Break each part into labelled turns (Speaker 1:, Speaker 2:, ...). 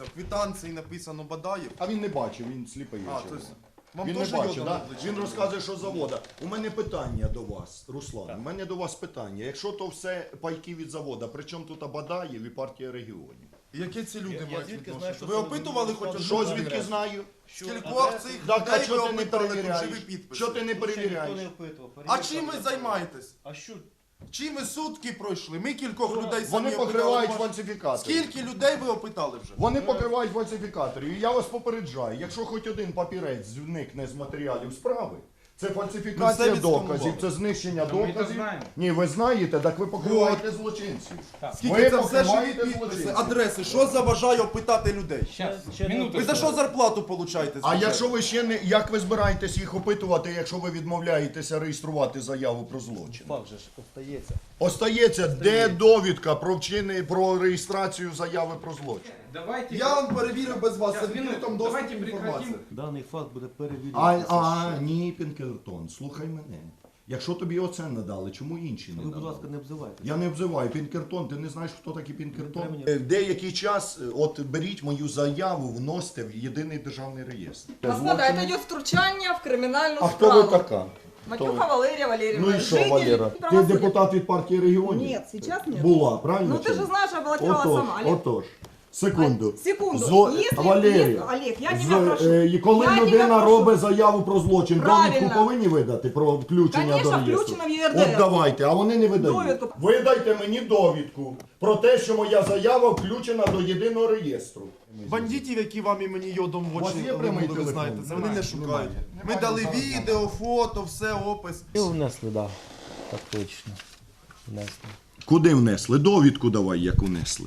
Speaker 1: дивіться, в квитанції написано Бадаєв.
Speaker 2: А він не бачив, він сліпий.
Speaker 1: Вам
Speaker 2: Він не
Speaker 1: теж
Speaker 2: бачить,
Speaker 1: йода
Speaker 2: да?
Speaker 1: на плечі
Speaker 2: Він
Speaker 1: було?
Speaker 2: розказує, що з завода. У мене питання до вас, Руслан, у мене до вас питання. Якщо то все пайки від завода, при чому тут Бадаєв і партія регіонів?
Speaker 1: Які ці люди мають
Speaker 3: звідки
Speaker 1: відношення?
Speaker 3: знаю, що
Speaker 1: Ви
Speaker 3: це
Speaker 1: опитували хоч одну
Speaker 2: Що
Speaker 1: людину?
Speaker 2: звідки знаю?
Speaker 1: Скількох цих
Speaker 2: Так, а
Speaker 1: людей ви
Speaker 2: чого ти не
Speaker 1: опитали, тут
Speaker 2: перевіряєш?
Speaker 1: живі підписи?
Speaker 2: Що ти не перевіряєш?
Speaker 1: А чим ви займаєтесь?
Speaker 3: А що?
Speaker 1: Чим ви сутки пройшли? Ми кількох людей самі
Speaker 2: Вони
Speaker 1: опитали.
Speaker 2: покривають фальсифікатори.
Speaker 1: Скільки людей ви опитали вже?
Speaker 2: Вони покривають фальсифікаторів. І я вас попереджаю, якщо хоч один папірець зникне з матеріалів справи, це
Speaker 1: Ми
Speaker 2: фальсифікація
Speaker 1: все
Speaker 2: доказів,
Speaker 1: відсканували.
Speaker 2: це знищення
Speaker 3: Та ми то
Speaker 2: доказів.
Speaker 3: знаємо.
Speaker 2: Ні, ви знаєте, так ви покриваєте злочинців.
Speaker 1: Скільки
Speaker 2: Ви
Speaker 1: це все
Speaker 2: покриваєте
Speaker 1: живі підписи,
Speaker 2: злочинців.
Speaker 1: адреси? Що заважає опитати людей? Ви за що зарплату получаєте?
Speaker 2: А якщо ви ще не, як ви збираєтесь їх опитувати, якщо ви відмовляєтеся реєструвати заяву про злочин?
Speaker 3: Факт же ж остається.
Speaker 2: Остається, де довідка про реєстрацію заяви про злочин?
Speaker 4: Давайте,
Speaker 1: Я вам перевірю без вас, це
Speaker 4: Сейчас,
Speaker 1: відкритом
Speaker 4: минуту.
Speaker 1: доступі
Speaker 4: Давайте
Speaker 1: інформація.
Speaker 3: Даний факт буде перевірятися.
Speaker 2: Ні, Пінкертон, слухай мене. Якщо тобі оце надали, чому інші не
Speaker 3: Ви, будь
Speaker 2: надали?
Speaker 3: ласка, не обзивайте.
Speaker 2: Я не обзиваю Пінкертон, ти не знаєш, хто такий Пінкертон?
Speaker 3: Не треба
Speaker 2: В деякий час, от беріть мою заяву, вносите в єдиний державний реєстр.
Speaker 5: Господа, это идет втручание в криминальную
Speaker 2: А хто
Speaker 5: справу.
Speaker 2: ви така?
Speaker 5: Матюха Валерия Валерьевна.
Speaker 2: Ну і що,
Speaker 5: житель
Speaker 2: Валера? Ти
Speaker 5: правосудия.
Speaker 2: депутат від партії регіонів?
Speaker 5: Нет, сейчас нет.
Speaker 2: Була, правильно?
Speaker 5: Ну
Speaker 2: чи
Speaker 5: ты же
Speaker 2: ні?
Speaker 5: знаешь, я баллотировала сама, Олег.
Speaker 2: Отож. Секунду.
Speaker 5: Секунду. Если-
Speaker 2: Валерія,
Speaker 5: если- Олег, я тебя прошу.
Speaker 2: і коли
Speaker 5: Я тебя
Speaker 2: людина
Speaker 5: прошу.
Speaker 2: робить заяву про злочин,
Speaker 5: Правильно.
Speaker 2: довідку повинні видати про включення
Speaker 5: Конечно,
Speaker 2: до реєстру?
Speaker 5: включено в ЄРДР.
Speaker 2: От давайте, а вони не видають.
Speaker 5: Довідку.
Speaker 2: Видайте мені довідку про те, що моя заява включена до єдиного реєстру.
Speaker 1: Бандитів, які вам і мені йодом в
Speaker 2: У вас
Speaker 1: очі
Speaker 2: є прямий
Speaker 1: ви
Speaker 2: телефон?
Speaker 1: знаєте, це вони
Speaker 2: Немає,
Speaker 1: не шукають.
Speaker 2: немає.
Speaker 1: Ми
Speaker 2: Немає,
Speaker 1: дали
Speaker 2: зараз
Speaker 1: відео, фото, все, опис.
Speaker 6: І внесли, да. Так точно. Внесли.
Speaker 2: Куди внесли? Довідку давай, як внесли.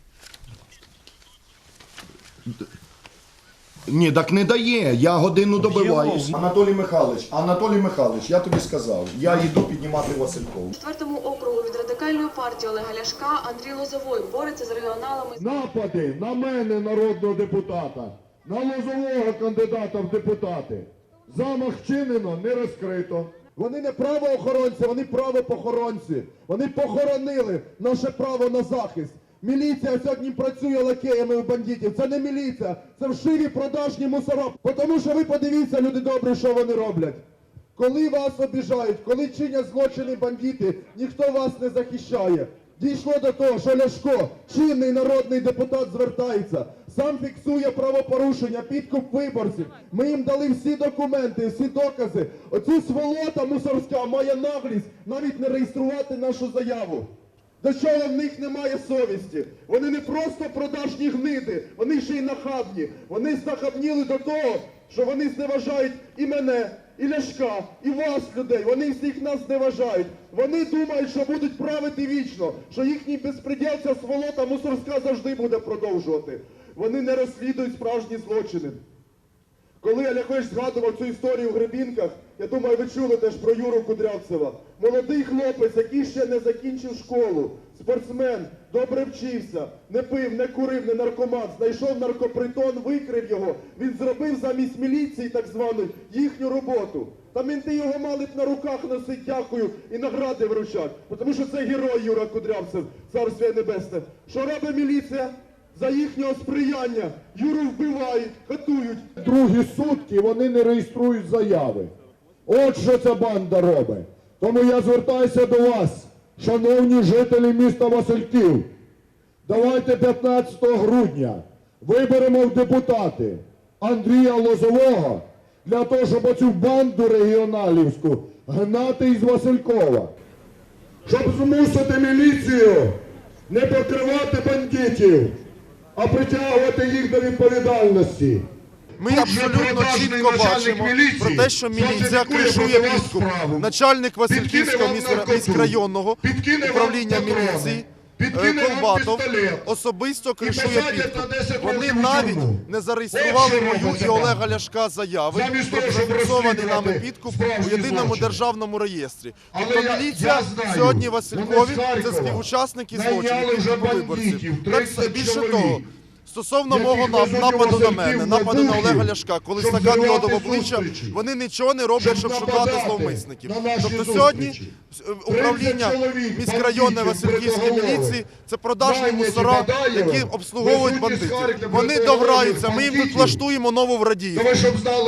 Speaker 2: Ні, так не дає. Я годину добиваюсь. Анатолій Михайлович, я тобі сказав, я йду піднімати Василькову.
Speaker 7: 4-му округу від радикальної партії Олега Ляшка Андрій Лозовой бореться з регіоналами.
Speaker 8: Напади на мене, народного депутата, на Лозового кандидата в депутати. Замах вчинено, не розкрито. Вони не правоохоронці, вони правопохоронці. Вони похоронили наше право на захист. Міліція сьогодні працює лакеями у бандитів. Це не міліція, це вшиві продажні мусора. Тому що ви подивіться, люди добрі, що вони роблять. Коли вас обіжають, коли чинять злочини бандити, ніхто вас не захищає. Дійшло до того, що Ляшко, чинний народний депутат, звертається, сам фіксує правопорушення, підкуп виборців. Ми їм дали всі документи, всі докази. Оцю сволота мусорська має наглість навіть не реєструвати нашу заяву. До чого в них немає совісті? Вони не просто продажні гниди, вони ще й нахабні. Вони знахабніли до того, що вони зневажають і мене, і Ляшка, і вас, людей. Вони всіх нас зневажають. Вони думають, що будуть правити вічно, що їхній безпреділ, ця сволота мусорська завжди буде продовжувати. Вони не розслідують справжні злочини. Коли Олегович згадував цю історію в Гребінках, я думаю, ви чули теж про Юру Кудрявцева. Молодий хлопець, який ще не закінчив школу, спортсмен, добре вчився, не пив, не курив, не наркоман, знайшов наркопритон, викрив його. Він зробив замість міліції, так званої, їхню роботу. Та менти його мали б на руках носити, дякую, і награди вручати. Тому що це герой Юра Кудрявцев, царство небесне. Що робить міліція? За їхнього сприяння Юру вбивають, катують. Другі сутки вони не реєструють заяви. От що ця банда робить. Тому я звертаюся до вас, шановні жителі міста Васильків. Давайте 15 грудня виберемо в депутати Андрія Лозового для того, щоб оцю банду регіоналівську гнати із Василькова. Щоб змусити міліцію не покривати бандитів, а притягувати їх до відповідальності.
Speaker 1: Ми абсолютно чітко бачимо про те, що міліція кришує підкуп. Начальник Васильківського міськрайонного управління міліції Колбатов особисто кришує підкуп. Вони навіть не зареєстрували мою і Олега Ляшка заяви про зафіксований нами підкуп у єдиному державному реєстрі. Тобто міліція сьогодні в Василькові – це співучасники злочинів підкупу виборців. Так, більше того, Стосовно
Speaker 8: яких
Speaker 1: мого
Speaker 8: везуть у
Speaker 1: нападу на
Speaker 8: Васильків
Speaker 1: мене,
Speaker 8: на
Speaker 1: нападу на
Speaker 8: Бухів,
Speaker 1: Олега Ляшка, коли
Speaker 8: щоб
Speaker 1: стакан йоду в
Speaker 8: зривати
Speaker 1: обличчя,
Speaker 8: зустрічі,
Speaker 1: вони нічого не роблять, щоб шукати
Speaker 8: нападати
Speaker 1: зловмисників.
Speaker 8: на наші
Speaker 1: Тобто сьогодні
Speaker 8: зустрічі.
Speaker 1: управління
Speaker 8: 30 чоловік
Speaker 1: міськрайонної
Speaker 8: бандитів,
Speaker 1: Васильківської
Speaker 8: бритоголових,
Speaker 1: міліції – це продажні
Speaker 8: найняті
Speaker 1: мусора,
Speaker 8: Бадаєвим,
Speaker 1: які обслуговують
Speaker 8: везуть із
Speaker 1: бандитів.
Speaker 8: Харкова
Speaker 1: Вони
Speaker 8: бритоголових
Speaker 1: дограються, ми їм тут
Speaker 8: бандитів.
Speaker 1: влаштуємо нову в
Speaker 8: То
Speaker 1: Радіївку.
Speaker 8: ви щоб знали,